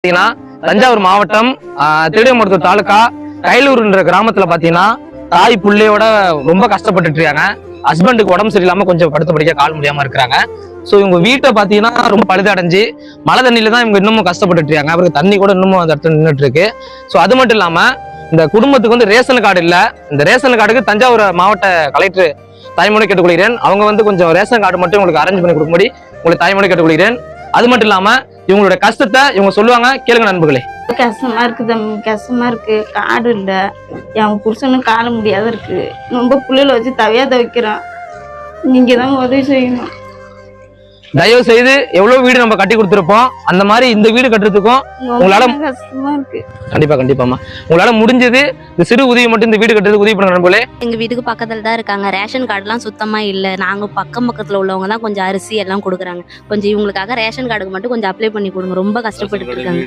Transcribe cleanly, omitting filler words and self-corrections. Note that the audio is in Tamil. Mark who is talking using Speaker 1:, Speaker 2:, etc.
Speaker 1: பாத்தீங்கன்னா தஞ்சாவூர் மாவட்டம் திருவிடைமருத்தூர் தாலுகா கைலூர்ன்ற கிராமத்துல பாத்தீங்கன்னா தாய் புள்ளையோட ரொம்ப கஷ்டப்பட்டுட்டு இருக்காங்க. ஹஸ்பண்டுக்கு உடம்பு சரியில்லாம கொஞ்சம் படுத்த படிக்க கால் முடியாம இருக்கிறாங்க. ஸோ இவங்க வீட்டை பாத்தீங்கன்னா ரொம்ப பழுதடைஞ்சு மழை தண்ணியில தான் இவங்க இன்னமும் கஷ்டப்பட்டுட்டு இருக்காங்க. அவருக்கு தண்ணி கூட இன்னமும் அந்த இடத்துல நின்றுட்டு இருக்கு. ஸோ அது மட்டும் இல்லாம இந்த குடும்பத்துக்கு வந்து ரேஷன் கார்டு இல்ல. இந்த ரேஷன் கார்டுக்கு தஞ்சாவூர் மாவட்ட கலெக்டர் தாய்மொழி கேட்டுக்கொள்கிறேன். அவங்க வந்து கொஞ்சம் ரேஷன் கார்டு மட்டும் உங்களுக்கு அரேஞ்ச் பண்ணி கொடுக்கும்படி உங்களுக்கு தாய்மொழி கேட்டுக்கொள்கிறேன். அது மட்டும் இல்லாம இவங்களோட கஷ்டத்தை இவங்க சொல்லுவாங்க, கேளுங்க நண்பர்களே.
Speaker 2: கஷ்டமா இருக்கு தம்பி, கஷ்டமா இருக்கு. காடு இல்ல, என் புருஷனும் காண முடியாத இருக்கு. ரொம்ப புள்ளையில வச்சு தவையா துவைக்கிறான். நீங்க தான் உதவி செய்யணும்.
Speaker 1: தயவு செய்து எவ்வளவு வீடு நம்ம கட்டி கொடுத்துருப்போம், அந்த மாதிரி இந்த வீடு கட்டுறதுக்கும் உங்களால
Speaker 2: கஷ்டமா இருக்கு.
Speaker 1: கண்டிப்பாமா உங்களால முடிஞ்சது இந்த சிறு உதவி மட்டும் இந்த வீடு கட்டுறதுக்கு உதவி பண்ண நண்பர்களே.
Speaker 3: எங்க வீட்டுக்கு பக்கத்துல தான் இருக்காங்க. ரேஷன் கார்டுலாம் சுத்தமா இல்ல. நாங்க பக்கத்துல உள்ளவங்க தான் கொஞ்சம் அரிசி எல்லாம் கொடுக்குறாங்க. கொஞ்சம் இவங்களுக்காக ரேஷன் கார்டுக்கு மட்டும் கொஞ்சம் அப்ளை பண்ணி கொடுங்க. ரொம்ப கஷ்டப்பட்டு இருக்காங்க.